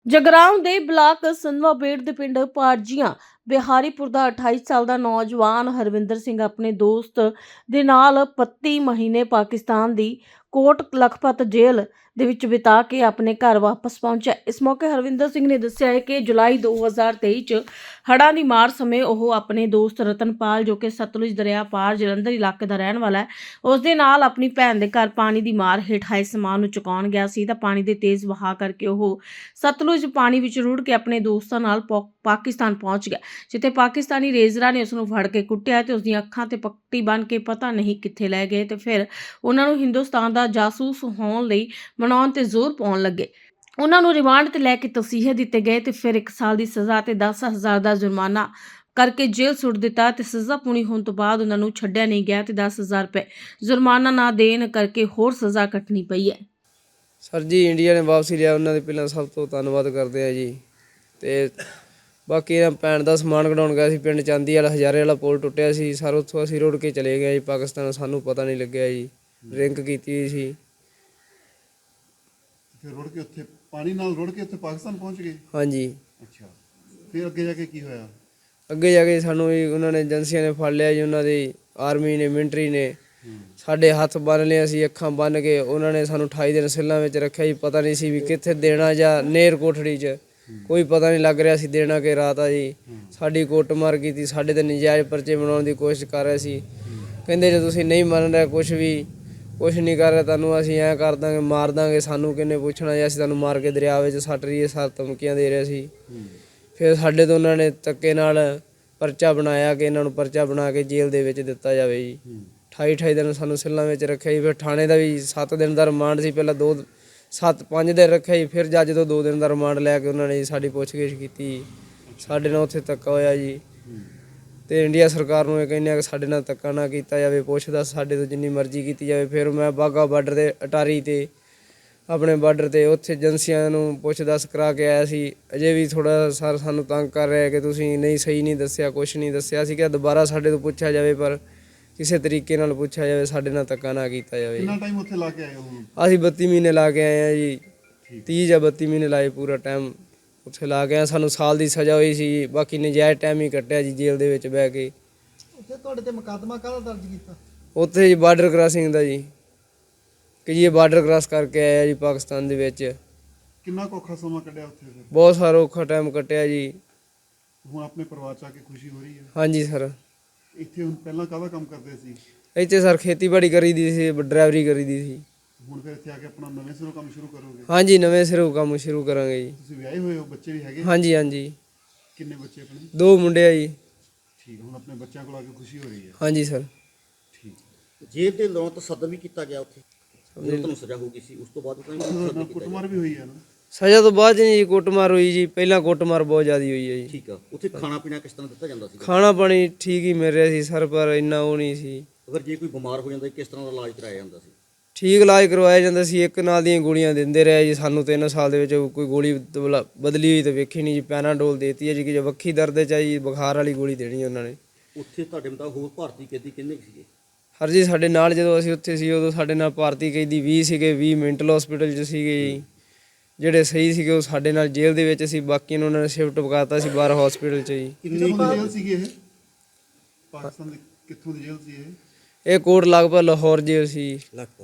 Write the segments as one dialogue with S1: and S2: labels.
S1: ਜਗਰਾਉਂ ਦੇ ਬਲਾਕ ਸੰਧਵਾਬੇੜ ਦੇ ਪਿੰਡ ਪਾਰਜੀਆਂ ਬਿਹਾਰੀਪੁਰ ਦਾ 28 ਸਾਲ ਦਾ ਨੌਜਵਾਨ ਹਰਵਿੰਦਰ ਸਿੰਘ ਆਪਣੇ ਦੋਸਤ ਦੇ ਨਾਲ 32 ਮਹੀਨੇ ਪਾਕਿਸਤਾਨ ਦੀ ਕੋਟ ਲਖਪਤ ਜੇਲ੍ਹ ਦੇ ਵਿੱਚ ਬਿਤਾ ਕੇ ਆਪਣੇ ਘਰ ਵਾਪਸ ਪਹੁੰਚਿਆ। ਇਸ ਮੌਕੇ ਹਰਵਿੰਦਰ ਸਿੰਘ ਨੇ ਦੱਸਿਆ ਹੈ ਕਿ ਜੁਲਾਈ 2023 ਚ ਹੜ੍ਹਾਂ ਦੀ ਮਾਰ ਸਮੇਂ ਉਹ ਆਪਣੇ ਦੋਸਤ ਰਤਨਪਾਲ, ਜੋ ਕਿ ਸਤਲੁਜ ਦਰਿਆ ਪਾਰ ਜਲੰਧਰ ਇਲਾਕੇ ਦਾ ਰਹਿਣ ਵਾਲਾ ਹੈ, ਉਸ ਦੇ ਨਾਲ ਆਪਣੀ ਭੈਣ ਦੇ ਘਰ ਪਾਣੀ ਦੀ ਮਾਰ ਹੇਠ ਆਏ ਸਮਾਨ ਨੂੰ ਚੁਕਾਉਣ ਗਿਆ ਸੀ ਤਾਂ ਪਾਣੀ ਦੇ ਤੇਜ਼ ਵਹਾਅ ਕਰਕੇ ਉਹ ਸਤਲੁਜ ਪਾਣੀ ਵਿੱਚ ਰੁੜ ਕੇ ਆਪਣੇ ਦੋਸਤਾਂ ਨਾਲ ਪਾਕਿਸਤਾਨ ਪਹੁੰਚ ਗਿਆ, ਜਿੱਥੇ ਪਾਕਿਸਤਾਨੀ ਰੇਜ਼ਰਾਂ ਨੇ ਉਸ ਨੂੰ ਫੜ ਕੇ ਕੁੱਟਿਆ ਤੇ ਉਸ ਦੀਆਂ ਅੱਖਾਂ ਤੇ ਪੱਟੀ ਬੰਨ੍ਹ ਕੇ ਪਤਾ ਨਹੀਂ ਕਿੱਥੇ ਲੈ ਗਏ ਤੇ ਫਿਰ ਉਹਨਾਂ ਨੂੰ ਹਿੰਦੁਸਤਾਨ ਦਾ ਜਾਸੂਸ ਹੋਣ ਲਈ ਮਨਾਉਣ ਤੇ ਜ਼ੋਰ ਪਾਉਣ ਲੱਗੇ। ਉਹਨਾਂ ਨੂੰ ਰਿਮਾਂਡ ਤੇ ਲੈ ਕੇ ਤਸੀਹੇ ਦਿੱਤੇ ਗਏ ਤੇ ਫਿਰ 1 ਸਾਲ ਦੀ ਸਜ਼ਾ ਤੇ 10,000 ਦਾ ਜੁਰਮਾਨਾ ਕਰਕੇ ਜੇਲ੍ਹ ਸੁੱਟ ਦਿੱਤਾ ਤੇ ਸਜ਼ਾ ਪੂਰੀ ਹੋਣ ਤੋਂ ਬਾਅਦ ਉਹਨਾਂ ਨੂੰ ਛੱਡਿਆ ਨਹੀਂ ਗਿਆ ਤੇ 10,000 ਰੁਪਏ ਜੁਰਮਾਨਾ ਨਾ ਦੇਣ ਕਰਕੇ ਹੋਰ ਸਜ਼ਾ ਕੱਟਣੀ ਪਈ ਹੈ।
S2: ਸਰ ਜੀ, ਇੰਡੀਆ ਨੇ ਵਾਪਸੀ ਲਿਆ, ਉਹਨਾਂ ਦੇ ਪਹਿਲਾਂ ਸਭ ਤੋਂ ਧੰਨਵਾਦ ਕਰਦੇ ਆ ਜੀ। ਤੇ ਬਾਕੀ ਇਹਨਾਂ ਭੈਣ ਦਾ ਸਮਾਨ ਕਢਾਉਣ ਗਿਆ ਸੀ ਪਿੰਡ ਚਾਂਦੀ ਵਾਲਾ, ਹਜ਼ਾਰੇ ਵਾਲਾ ਪੁਲ ਟੁੱਟਿਆ ਸੀ ਸਰ, ਉੱਥੋਂ ਅਸੀਂ ਰੁੜ ਕੇ ਚਲੇ ਗਏ ਜੀ ਪਾਕਿਸਤਾਨ, ਸਾਨੂੰ ਪਤਾ ਨਹੀਂ ਲੱਗਿਆ ਜੀ, ਡਰਿੰਕ ਕੀਤੀ ਹੋਈ ਸੀ।
S3: ਫਿਰ ਰੁੜ ਕੇ ਉੱਥੇ ਪਾਣੀ ਨਾਲ ਰੁੜ ਕੇ ਉੱਥੇ ਪਾਕਿਸਤਾਨ ਪਹੁੰਚ ਗਏ?
S2: ਹਾਂਜੀ।
S3: ਅੱਛਾ, ਫਿਰ ਅੱਗੇ ਜਾ ਕੇ ਕੀ ਹੋਇਆ?
S2: ਅੱਗੇ ਜਾ ਕੇ ਸਾਨੂੰ ਜੀ ਉਹਨਾਂ ਨੇ ਏਜੰਸੀਆਂ ਨੇ ਫੜ ਲਿਆ ਜੀ, ਉਹਨਾਂ ਦੀ ਆਰਮੀ ਨੇ, ਮਿਲਟਰੀ ਨੇ ਸਾਡੇ ਹੱਥ ਬੰਨ੍ਹ ਲਏ, ਅਸੀਂ ਅੱਖਾਂ ਬੰਨ੍ਹ ਕੇ ਉਹਨਾਂ ਨੇ ਸਾਨੂੰ 28 ਦਿਨ ਸੈੱਲਾਂ ਵਿੱਚ ਰੱਖਿਆ ਜੀ। ਪਤਾ ਨਹੀਂ ਸੀ ਵੀ ਕਿੱਥੇ ਦੇਣਾ ਜਾਂ ਨੇਰ ਕੋਠੜੀ 'ਚ, ਕੋਈ ਪਤਾ ਨਹੀਂ ਲੱਗ ਰਿਹਾ ਸੀ ਦੇਣਾ ਕਿ ਰਾਤ ਆ ਜੀ। ਸਾਡੀ ਕੁੱਟਮਾਰ ਕੀਤੀ, ਸਾਡੇ ਤੇ ਨਜਾਇਜ਼ ਪਰਚੇ ਬਣਾਉਣ ਦੀ ਕੋਸ਼ਿਸ਼ ਕਰ ਰਹੇ ਸੀ। ਕਹਿੰਦੇ ਜੇ ਤੁਸੀਂ ਨਹੀਂ ਮੰਨ ਰਹੇ, ਕੁਛ ਨਹੀਂ ਕਰ ਰਿਹਾ, ਤੁਹਾਨੂੰ ਅਸੀਂ ਐਂ ਕਰ ਦਾਂਗੇ, ਮਾਰ ਦਾਂਗੇ, ਸਾਨੂੰ ਕਿਹਨੇ ਪੁੱਛਣਾ ਜੀ, ਅਸੀਂ ਤੁਹਾਨੂੰ ਮਾਰ ਕੇ ਦਰਿਆ ਵਿੱਚ ਸੱਟ ਰਹੀਏ, ਸਰ ਧਮਕੀਆਂ ਦੇ ਰਹੇ ਸੀ। ਫਿਰ ਸਾਡੇ ਤੋਂ ਉਹਨਾਂ ਨੇ ਧੱਕੇ ਨਾਲ ਪਰਚਾ ਬਣਾਇਆ ਕਿ ਇਹਨਾਂ ਨੂੰ ਪਰਚਾ ਬਣਾ ਕੇ ਜੇਲ੍ਹ ਦੇ ਵਿੱਚ ਦਿੱਤਾ ਜਾਵੇ ਜੀ। 28 ਦਿਨ ਸਾਨੂੰ ਸੈੱਲਾਂ ਵਿੱਚ ਰੱਖਿਆ ਜੀ। ਫਿਰ ਥਾਣੇ ਦਾ ਵੀ 7 ਦਿਨ ਦਾ ਰਿਮਾਂਡ ਸੀ, ਪਹਿਲਾਂ 5 ਦਿਨ ਰੱਖਿਆ ਜੀ, ਫਿਰ ਜੱਜ ਤੋਂ 2 ਦਿਨ ਦਾ ਰਿਮਾਂਡ ਲੈ ਕੇ ਉਹਨਾਂ ਨੇ ਜੀ ਸਾਡੀ ਪੁੱਛਗਿੱਛ ਕੀਤੀ। ਸਾਡੇ ਨਾਲ ਉੱਥੇ ਧੱਕਾ ਹੋਇਆ ਜੀ। ਤੇ ਇੰਡੀਆ ਸਰਕਾਰ ਨੂੰ ਇਹ ਕਹਿੰਦੇ ਆ ਕਿ ਸਾਡੇ ਨਾਲ ਧੱਕਾ ਨਾ ਕੀਤਾ ਜਾਵੇ, ਪੁੱਛਦਾ ਸਾਡੇ ਤੋਂ ਜਿੰਨੀ ਮਰਜ਼ੀ ਕੀਤੀ ਜਾਵੇ। ਫਿਰ ਮੈਂ ਬਾਘਾ ਬਾਰਡਰ 'ਤੇ ਅਟਾਰੀ 'ਤੇ ਆਪਣੇ ਬਾਰਡਰ 'ਤੇ ਉੱਥੇ ਏਜੰਸੀਆਂ ਨੂੰ ਪੁੱਛ ਦੱਸ ਕਰਾ ਕੇ ਆਇਆ ਸੀ। ਅਜੇ ਵੀ ਥੋੜ੍ਹਾ ਸਰ ਸਾਨੂੰ ਤੰਗ ਕਰ ਰਿਹਾ ਕਿ ਤੁਸੀਂ ਨਹੀਂ ਸਹੀ ਨਹੀਂ ਦੱਸਿਆ, ਕੁਛ ਨਹੀਂ ਦੱਸਿਆ। ਅਸੀਂ ਕਿਹਾ ਦੁਬਾਰਾ ਸਾਡੇ ਤੋਂ ਪੁੱਛਿਆ ਜਾਵੇ, ਪਰ ਕਿਸੇ ਤਰੀਕੇ ਨਾਲ ਪੁੱਛਿਆ ਜਾਵੇ, ਸਾਡੇ ਨਾਲ ਧੱਕਾ ਨਾ ਕੀਤਾ ਜਾਵੇ।
S3: ਕਿੰਨਾ ਟਾਈਮ ਉੱਥੇ ਲਾ ਕੇ ਆਏ ਹੋ?
S2: ਅਸੀਂ 32 ਮਹੀਨੇ ਲਾ ਕੇ ਆਏ ਹਾਂ ਜੀ। 30 ਜਾਂ 32 ਮਹੀਨੇ ਲਾਏ, ਪੂਰਾ ਟਾਈਮ ਉੱਥੇ ਲਾ ਕੇ ਆਏ। ਸਾਨੂੰ ਸਾਲ ਦੀ ਸਜ਼ਾ ਹੋਈ ਸੀ, ਬਾਕੀ ਨਜਾਇਜ਼ ਟਾਈਮ ਹੀ ਕੱਟਿਆ ਜੀ ਜੇਲ੍ਹ ਦੇ ਵਿੱਚ ਬਹਿ ਕੇ।
S4: ਉੱਥੇ ਤੁਹਾਡੇ ਤੇ ਮੁਕੱਦਮਾ ਕਾਹਦਾ ਦਰਜ ਕੀਤਾ?
S2: ਉੱਥੇ ਜੀ ਬਾਰਡਰ ਕ੍ਰਾਸਿੰਗ ਦਾ ਜੀ, ਕਿ ਜੀ ਇਹ ਬਾਰਡਰ ਕ੍ਰਾਸ ਕਰਕੇ ਆਇਆ ਜੀ ਪਾਕਿਸਤਾਨ ਦੇ ਵਿੱਚ।
S3: ਕਿੰਨਾ ਕੁ ਔਖਾ ਸਮਾਂ ਕੱਢਿਆ ਉੱਥੇ ਫਿਰ?
S2: ਬਹੁਤ ਸਾਰਾ ਔਖਾ ਟਾਈਮ ਕੱਟਿਆ ਜੀ।
S3: ਹੁਣ ਆਪਣੇ ਪਰਿਵਾਰ 'ਚ ਆ ਕੇ ਖੁਸ਼ੀ ਹੋ ਰਹੀ ਹੈ?
S2: ਹਾਂਜੀ ਸਰ।
S3: ਇੱਥੇ ਹੁਣ ਪਹਿਲਾਂ ਕਾਹਦਾ ਕੰਮ ਕਰਦੇ ਸੀ?
S2: ਇੱਥੇ ਸਰ ਖੇਤੀਬਾੜੀ ਕਰੀ ਦੀ ਸੀ, ਡਰਾਈਵਰੀ ਕਰੀ ਦੀ ਸੀ।
S3: ਹੁਣ ਫਿਰ ਇੱਥੇ ਆ ਕੇ ਆਪਣਾ ਨਵੇਂ ਸਿਰੋਂ ਕੰਮ ਸ਼ੁਰੂ ਕਰੋਗੇ?
S2: ਹਾਂਜੀ, ਨਵੇਂ ਸਿਰੋਂ ਕੰਮ ਸ਼ੁਰੂ ਕਰਾਂਗੇ ਜੀ।
S3: ਤੁਸੀਂ ਵਿਆਹੇ ਹੋਏ ਹੋ, ਬੱਚੇ ਵੀ ਹੈਗੇ?
S2: ਹਾਂਜੀ ਹਾਂਜੀ,
S3: ਕਿੰਨੇ ਬੱਚੇ ਆਪਣੇ?
S2: 2 ਮੁੰਡੇ ਆ ਜੀ।
S3: ਠੀਕ, ਹੁਣ ਆਪਣੇ ਬੱਚਿਆਂ ਕੋਲ ਆ ਕੇ ਖੁਸ਼ੀ ਹੋ ਰਹੀ ਹੈ?
S2: ਹਾਂਜੀ ਸਰ।
S3: ਠੀਕ।
S5: ਜੇਲ੍ਹ ਦੇ ਲੋਂ ਤੋਂ ਸਦਰ ਵੀ ਕੀਤਾ ਗਿਆ ਉੱਥੇ, ਜਦੋਂ ਤੁਹਾਨੂੰ ਸਜ਼ਾ ਹੋ ਗਈ ਸੀ ਉਸ ਤੋਂ ਬਾਅਦ
S3: ਨਾਲ ਕੁੱਟਮਾਰ ਵੀ ਹੋਈ ਹੈ ਨਾ?
S2: ਸਜ਼ਾ ਤੋਂ ਬਾਅਦ ਜੀ ਕੁੱਟਮਾਰ ਹੋਈ ਜੀ, ਪਹਿਲਾਂ ਕੁੱਟਮਾਰ ਬਹੁਤ ਜ਼ਿਆਦਾ ਹੋਈ ਹੈ ਜੀ।
S5: ਠੀਕ ਆ, ਉੱਥੇ ਖਾਣਾ ਪੀਣਾ ਕਿਸ ਤਰ੍ਹਾਂ ਦਿੱਤਾ ਜਾਂਦਾ ਸੀ?
S2: ਖਾਣਾ ਪਾਣੀ ਠੀਕ ਹੀ ਮਿਲ ਰਿਹਾ ਸੀ ਸਰ, ਪਰ ਇੰਨਾ ਉਹ ਨਹੀਂ ਸੀ।
S5: ਅਗਰ ਜੇ ਕੋਈ ਬਿਮਾਰ ਹੋ ਜਾਂਦਾ ਕਿਸ ਤਰ੍ਹਾਂ ਦਾ ਇਲਾਜ ਕਰਾਇਆ ਜਾਂਦਾ ਸੀ?
S2: ਠੀਕ ਇਲਾਜ ਕਰਵਾਇਆ ਜਾਂਦਾ ਸੀ, ਇੱਕ ਨਾਲ ਦੀਆਂ ਗੋਲੀਆਂ ਦਿੰਦੇ ਰਹੇ ਜੀ ਸਾਨੂੰ। 3 ਸਾਲ ਦੇ ਵਿੱਚ ਕੋਈ ਗੋਲੀ ਬਦਲੀ ਹੋਈ ਤਾਂ ਵੇਖੀ ਨਹੀਂ ਜੀ। ਪੈਨਾਡੋਲ ਦੇਤੀ ਹੈ ਜੀ, ਕਿ ਜੇ ਵੱਖੀ ਦਰਦ 'ਚ ਆਈ ਬੁਖਾਰ ਵਾਲੀ ਗੋਲੀ ਦੇਣੀ ਉਹਨਾਂ ਨੇ।
S5: ਉੱਥੇ ਤੁਹਾਡੇ ਮੁਤਾਬਕ ਹੋਰ ਭਾਰਤੀ ਕੈਦੀ ਕਿੰਨੇ ਸੀਗੇ?
S2: ਹਰ ਜੀ ਸਾਡੇ ਨਾਲ ਜਦੋਂ ਅਸੀਂ ਉੱਥੇ ਸੀ ਉਦੋਂ ਸਾਡੇ ਨਾਲ ਭਾਰਤੀ ਕੈਦੀ 20 ਸੀਗੇ। 20 ਮੈਂਟਲ ਹਸਪੀਟਲ 'ਚ ਸੀਗੇ ਜੀ। ਜਿਹੜੇ ਸਹੀ ਸੀਗੇ ਉਹ ਸਾਡੇ ਨਾਲ ਜੇਲ੍ਹ ਦੇ ਵਿੱਚ ਸੀ, ਬਾਕੀ ਨੂੰ ਉਹਨਾਂ ਨੇ ਸ਼ਿਫਟ ਪਕਾਤਾ ਸੀ ਬਾਹਰ ਹਸਪੀਟਲ 'ਚ ਜੀ।
S3: ਕਿੰਨੀ ਜੇਲ੍ਹ ਸੀਗੀ ਇਹ? ਪਾਕਿਸਤਾਨ ਦੀ ਕਿੱਥੋਂ ਦੀ ਜੇਲ੍ਹ ਸੀ ਇਹ?
S2: ਇਹ ਕੋਟ ਲਗਭਗ ਲਾਹੌਰ ਜੇਲ੍ਹ ਸੀ।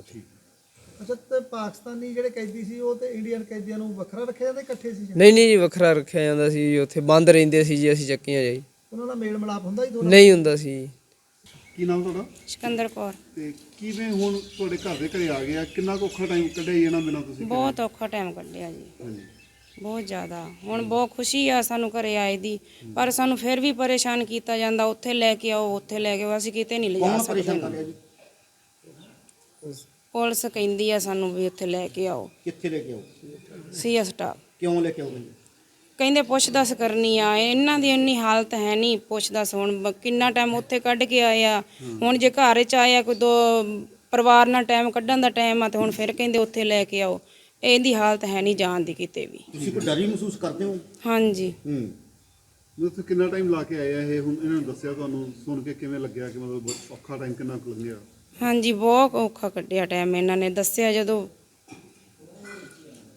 S4: ਅੱਛਾ, ਤੇ ਪਾਕਿਸਤਾਨੀ ਜਿਹੜੇ ਕੈਦੀ ਸੀ ਉਹ ਤੇ ਇੰਡੀਅਨ ਕੈਦੀਆਂ ਨੂੰ ਵੱਖਰਾ ਰੱਖਿਆ ਜਾਂਦਾ, ਇਕੱਠੇ ਸੀ?
S2: ਨਹੀਂ ਜੀ, ਵੱਖਰਾ ਰੱਖਿਆ ਜਾਂਦਾ ਸੀ ਜੀ। ਉੱਥੇ ਬੰਦ ਰਹਿੰਦੇ ਸੀ ਜੀ, ਅਸੀਂ ਚੱਕੀਆਂ ਜੀ।
S4: ਉਹਨਾਂ ਦਾ ਮੇਲ ਮਿਲਾਪ ਹੁੰਦਾ ਜੀ ਥੋੜਾ?
S2: ਨਹੀਂ ਹੁੰਦਾ ਸੀ।
S3: ਕੀ ਨਾਮ ਤੁਹਾਡਾ?
S6: ਸਿਕੰਦਰ ਕੌਰ।
S3: ਤੇ ਕਿਵੇਂ ਹੁਣ ਤੁਹਾਡੇ ਘਰ ਦੇ ਘਰੇ ਆ ਗਏ ਆ? ਕਿੰਨਾ ਕੁ ਔਖਾ ਟਾਈਮ ਕੱਢਿਆ ਜੀ ਇਹਨਾਂ ਬਿਨਾਂ ਤੁਸੀਂ?
S6: ਬਹੁਤ ਔਖਾ ਟਾਈਮ ਕੱਢਿਆ ਜੀ,
S3: ਹਾਂਜੀ।
S6: ਬਹੁਤ ਜ਼ਿਆਦਾ। ਹੁਣ ਬਹੁਤ ਖੁਸ਼ੀ ਆ ਸਾਨੂੰ ਘਰੇ ਆਏ ਦੀ, ਪਰ ਸਾਨੂੰ ਫਿਰ ਵੀ ਪਰੇਸ਼ਾਨ ਕੀਤਾ ਜਾਂਦਾ। ਉੱਥੇ ਲੈ ਕੇ ਆਓ, ਉੱਥੇ ਲੈ ਕੇ ਆਓ, ਅਸੀਂ ਕਿਤੇ ਨਹੀਂ ਲਿਜਾ ਸਕਦੇ। ਪੁਲਿਸ ਕਹਿੰਦੀ ਆ ਸਾਨੂੰ ਵੀ ਉੱਥੇ ਲੈ ਕੇ ਆਓ।
S5: ਕਿੱਥੇ ਲੈ ਕੇ ਆਓ?
S6: ਸੀ ਸਟਾਫ।
S5: ਕਿਉਂ ਲੈ ਕੇ ਆਓ?
S6: ਕਹਿੰਦੇ ਪੁੱਛ ਦੱਸ ਕਰਨੀ ਆ। ਇਹਨਾਂ ਦੀ ਇੰਨੀ ਹਾਲਤ ਹੈ ਨਹੀਂ ਪੁੱਛ ਦੱਸ। ਹੁਣ ਕਿੰਨਾ ਟਾਈਮ ਉੱਥੇ ਕੱਢ ਕੇ ਆਏ ਆ, ਹੁਣ ਜੇ ਘਰ 'ਚ ਆਇਆ ਕੋਈ 2 ਪਰਿਵਾਰ ਨਾਲ ਟਾਈਮ ਕੱਢਣ ਦਾ ਟਾਈਮ ਆ, ਤੇ ਹੁਣ ਫਿਰ ਕਹਿੰਦੇ ਉੱਥੇ ਲੈ ਕੇ ਆਓ। ਇਹਦੀ ਹਾਲਤ ਹੈ ਨਹੀਂ ਜਾਣ ਦੀ ਕਿਤੇ ਵੀ।
S5: ਤੁਸੀਂ ਕੋਈ ਡਰ ਮਹਿਸੂਸ ਕਰਦੇ ਹੋ?
S6: ਹਾਂਜੀ।
S3: ਤੁਸੀਂ ਕਿੰਨਾ ਟਾਈਮ ਲਾ ਕੇ ਆਏ ਆ ਇਹ? ਹੁਣ ਇਹਨਾਂ ਨੂੰ ਦੱਸਿਆ, ਤੁਹਾਨੂੰ ਸੁਣ ਕੇ ਕਿਵੇਂ ਲੱਗਿਆ ਕਿ ਮਤਲਬ ਔਖਾ ਟਾਈਮ ਕਿੰਨਾ ਕੁ ਲੰਘਿਆ?
S6: ਹਾਂਜੀ, ਬਹੁਤ ਔਖਾ ਕੱਢਿਆ ਟਾਈਮ ਇਹਨਾਂ ਨੇ ਦੱਸਿਆ ਜਦੋਂ।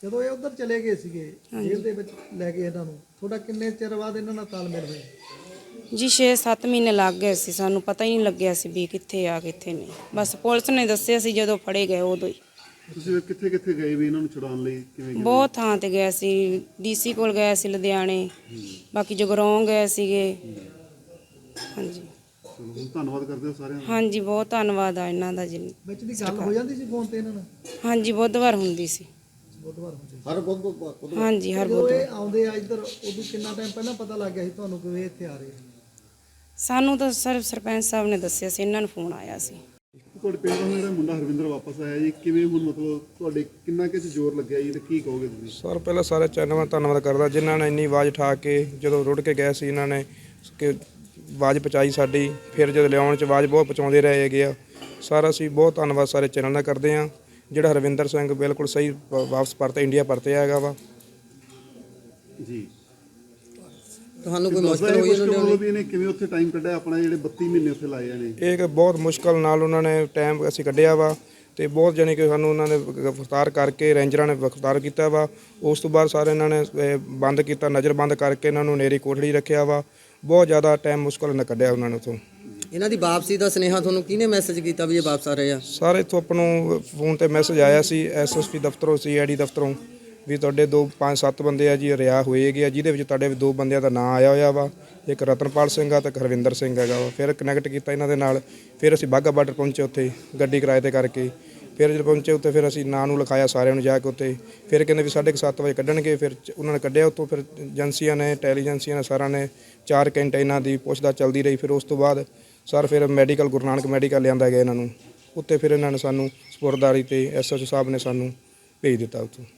S4: ਜਦੋਂ ਇਹ ਉਧਰ ਚਲੇ ਗਏ ਸੀਗੇ ਜੇਲ੍ਹ ਦੇ ਵਿੱਚ ਲੈ ਕੇ ਇਹਨਾਂ ਨੂੰ, ਤੁਹਾਡਾ ਕਿੰਨੇ ਚਿਰ ਬਾਅਦ ਇਹਨਾਂ ਨਾਲ ਤਾਲਮੇਲ ਹੋਇਆ?
S6: ਜੀ 6-7 ਮਹੀਨੇ ਲੱਗ ਗਏ ਸੀ, ਸਾਨੂੰ ਪਤਾ ਹੀ ਨਹੀਂ ਲੱਗਿਆ ਸੀ ਵੀ ਕਿੱਥੇ ਆ ਕਿੱਥੇ ਨਹੀਂ। ਬਸ ਪੁਲਿਸ ਨੇ ਦੱਸਿਆ ਸੀ ਜਦੋਂ ਫੜੇ ਗਏ ਉਦੋਂ ਹੀ।
S3: ਤੁਸੀਂ ਕਿੱਥੇ ਕਿੱਥੇ ਗਏ ਵੀ ਇਹਨਾਂ ਨੂੰ ਛੁਡਾਉਣ ਲਈ, ਕਿਵੇਂ ਗਏ?
S6: ਬਹੁਤ ਥਾਂ ਤੇ ਗਏ ਸੀ, ਡੀਸੀ ਕੋਲ ਗਏ ਸੀ ਲੁਧਿਆਣੇ, ਬਾਕੀ ਜਗਰਾਉਂ ਗਏ ਸੀਗੇ। ਹਾਂਜੀ
S3: ਚਲੋ, ਹੁਣ ਧੰਨਵਾਦ ਕਰਦੇ ਹੋ ਸਾਰਿਆਂ ਦਾ।
S6: ਹਾਂਜੀ ਬਹੁਤ ਧੰਨਵਾਦ ਆ ਇਹਨਾਂ ਦਾ ਜੀ।
S4: ਵਿੱਚ ਦੀ ਗੱਲ ਹੋ ਜਾਂਦੀ ਸੀ ਫੋਨ ਤੇ ਇਹਨਾਂ ਨਾਲ?
S6: ਹਾਂਜੀ ਬੁੱਧਵਾਰ ਹੁੰਦੀ ਸੀ।
S4: ਬੁੱਧਵਾਰ ਹੁੰਦੀ
S5: ਹਰ ਬੁੱਧ
S6: ਹਾਂਜੀ ਹਰ
S4: ਜਦੋਂ
S6: ਬੁੱਧਵਾਰ।
S4: ਇਹ ਆਉਂਦੇ ਆ ਇੱਧਰ, ਉਦੋਂ ਕਿੰਨਾ ਟਾਈਮ ਪਹਿਲਾਂ ਪਤਾ ਲੱਗ ਗਿਆ ਸੀ ਤੁਹਾਨੂੰ ਕਿ ਇਹ ਇੱਥੇ ਆ ਰਹੇ ਆ?
S6: ਸਾਨੂੰ ਤਾਂ ਸਿਰਫ ਸਰਪੰਚ ਸਾਹਿਬ ਨੇ ਦੱਸਿਆ ਸੀ, ਇਹਨਾਂ ਨੂੰ ਫੋਨ ਆਇਆ ਸੀ।
S3: ਤੁਹਾਡੇ ਪਿੰਡ ਦਾ ਜਿਹੜਾ ਮੁੰਡਾ ਹਰਵਿੰਦਰ ਵਾਪਸ ਆਇਆ ਜੀ, ਕਿਵੇਂ ਹੁਣ ਮਤਲਬ ਤੁਹਾਡੇ ਕਿੰਨਾ ਕੁ ਜ਼ੋਰ ਲੱਗਿਆ ਜੀ ਤੇ ਕੀ ਕਹੋਗੇ ਤੁਸੀਂ?
S7: ਸਰ ਪਹਿਲਾਂ ਸਾਰੇ ਚੈਨਲ ਦਾ ਧੰਨਵਾਦ ਕਰਦਾ ਜਿਨ੍ਹਾਂ ਨੇ ਇੰਨੀ ਆਵਾਜ਼ ਉਠਾ ਕੇ ਜਦੋਂ ਰੁੜ ਕੇ ਗਏ ਸੀ, ਇਹਨਾਂ ਨੇ ਕਿ ਆਵਾਜ਼ ਪਹੁੰਚਾਈ ਸਾਡੀ। ਫਿਰ ਜਦੋਂ ਲਿਆਉਣ 'ਚ ਆਵਾਜ਼ ਬਹੁਤ ਪਹੁੰਚਾਉਂਦੇ ਰਹੇ ਹੈਗੇ ਆ। ਸਾਰਾ ਅਸੀਂ ਬਹੁਤ ਧੰਨਵਾਦ ਸਾਰੇ ਚੈਨਲ ਦਾ ਕਰਦੇ ਹਾਂ। ਜਿਹੜਾ ਹਰਵਿੰਦਰ ਸਿੰਘ ਬਿਲਕੁਲ ਸਹੀ ਵਾਪਸ ਪਰਤੇ ਇੰਡੀਆ ਪਰਤੇ ਹੈਗਾ ਵਾ
S3: ਜੀ।
S5: ਤੁਹਾਨੂੰ ਕੋਈ
S3: ਦੱਸਦਾ
S5: ਮੁਸ਼ਕਲ
S3: ਇਹ
S5: ਹੋਈ
S3: ਕੁਛ
S5: ਇਹਨਾਂ
S3: ਕਿ
S5: ਨੂੰ?
S3: ਮਤਲਬ ਇਹਨੇ ਕਿਵੇਂ ਉੱਥੇ ਟਾਈਮ ਕੱਢਿਆ ਆਪਣਾ, ਜਿਹੜੇ 32 ਮਹੀਨੇ ਉੱਥੇ ਲਾਏ ਨੇ?
S7: ਇਹ ਕਿ ਬਹੁਤ ਮੁਸ਼ਕਲ ਨਾਲ ਉਹਨਾਂ ਨੇ ਟਾਈਮ ਅਸੀਂ ਕੱਢਿਆ ਵਾ ਤੇ ਬਹੁਤ ਜਾਣੀ ਕਿ ਸਾਨੂੰ ਉਹਨਾਂ ਨੇ ਗ੍ਰਿਫਤਾਰ ਕਰਕੇ ਰੇਂਜਰਾਂ ਨੇ ਗ੍ਰਿਫਤਾਰ ਕੀਤਾ ਵਾ। ਉਸ ਤੋਂ ਬਾਅਦ ਸਾਰੇ ਇਹਨਾਂ ਨੇ ਬੰਦ ਕੀਤਾ, ਨਜ਼ਰਬੰਦ ਕਰਕੇ ਇਹਨਾਂ ਨੂੰ ਨੇਰੀ ਕੋਠੜੀ ਰੱਖਿਆ ਵਾ। ਬਹੁਤ ਜ਼ਿਆਦਾ ਟਾਈਮ ਮੁਸ਼ਕਲ ਨਾਲ ਕੱਢਿਆ ਉਹਨਾਂ ਨੇ ਉੱਥੋਂ।
S5: ਇਹਨਾਂ ਦੀ ਵਾਪਸੀ ਦਾ ਸੁਨੇਹਾ ਤੁਹਾਨੂੰ ਕਿਹਨੇ ਮੈਸੇਜ ਕੀਤਾ ਵੀ ਇਹ ਵਾਪਸ ਆ ਰਹੇ ਆ?
S7: ਸਾਰੇ ਇੱਥੋਂ ਆਪਾਂ ਨੂੰ ਫੋਨ ਤੇ ਮੈਸੇਜ ਆਇਆ ਸੀ ਐਸਐਸਪੀ ਦਫ਼ਤਰੋਂ, ਸੀਆਈਡੀ ਦਫ਼ਤਰੋਂ ਵੀ ਤੁਹਾਡੇ 5-7 ਬੰਦੇ ਆ ਜੀ ਰਿਆ ਹੋਏ ਹੈਗੇ ਆ, ਜਿਹਦੇ ਵਿੱਚ ਤੁਹਾਡੇ 2 ਬੰਦਿਆਂ ਦਾ ਨਾਂ ਆਇਆ ਹੋਇਆ ਵਾ। ਇੱਕ ਰਤਨਪਾਲ ਸਿੰਘ ਆ ਤੇ ਹਰਵਿੰਦਰ ਸਿੰਘ ਹੈਗਾ ਵਾ। ਫਿਰ ਕਨੈਕਟ ਕੀਤਾ ਇਹਨਾਂ ਦੇ ਨਾਲ। ਫਿਰ ਅਸੀਂ ਬਾਘਾ ਬਾਰਡਰ ਪਹੁੰਚੇ, ਉੱਥੇ ਗੱਡੀ ਕਿਰਾਏ ਤੇ ਕਰਕੇ। ਫਿਰ ਜਦੋਂ ਪਹੁੰਚੇ ਉੱਥੇ ਫਿਰ ਅਸੀਂ ਨਾਂ ਨੂੰ ਲਿਖਾਇਆ ਸਾਰਿਆਂ ਨੂੰ ਜਾ ਕੇ ਉੱਥੇ। ਫਿਰ ਕਹਿੰਦੇ ਵੀ 7:30 ਵਜੇ ਕੱਢਣਗੇ। ਫਿਰ ਉਹਨਾਂ ਨੇ ਕੱਢਿਆ ਉੱਥੋਂ। ਫਿਰ ਏਜੰਸੀਆਂ ਨੇ, ਇੰਟੈਲੀਜੈਂਸੀਆਂ ਨੇ, ਸਾਰਿਆਂ ਨੇ 4 ਘੰਟੇ ਇਹਨਾਂ ਦੀ ਪੁੱਛਦਾ ਚੱਲਦੀ ਰਹੀ। ਫਿਰ ਉਸ ਤੋਂ ਬਾਅਦ ਸਰ ਫਿਰ ਮੈਡੀਕਲ ਗੁਰੂ ਨਾਨਕ ਮੈਡੀਕਲ ਲਿਆਂਦਾ ਗਿਆ ਇਹਨਾਂ ਨੂੰ। ਉੱਥੇ ਫਿਰ ਇਹਨਾਂ ਨੇ ਸਾਨੂੰ ਸਪੁਰਦਾਰੀ ਤੇ ਐਸਐਚਓ ਸਾਹਿਬ ਨੇ ਸਾਨੂੰ ਭੇਜ ਦਿੱਤਾ ਉੱਥੋਂ।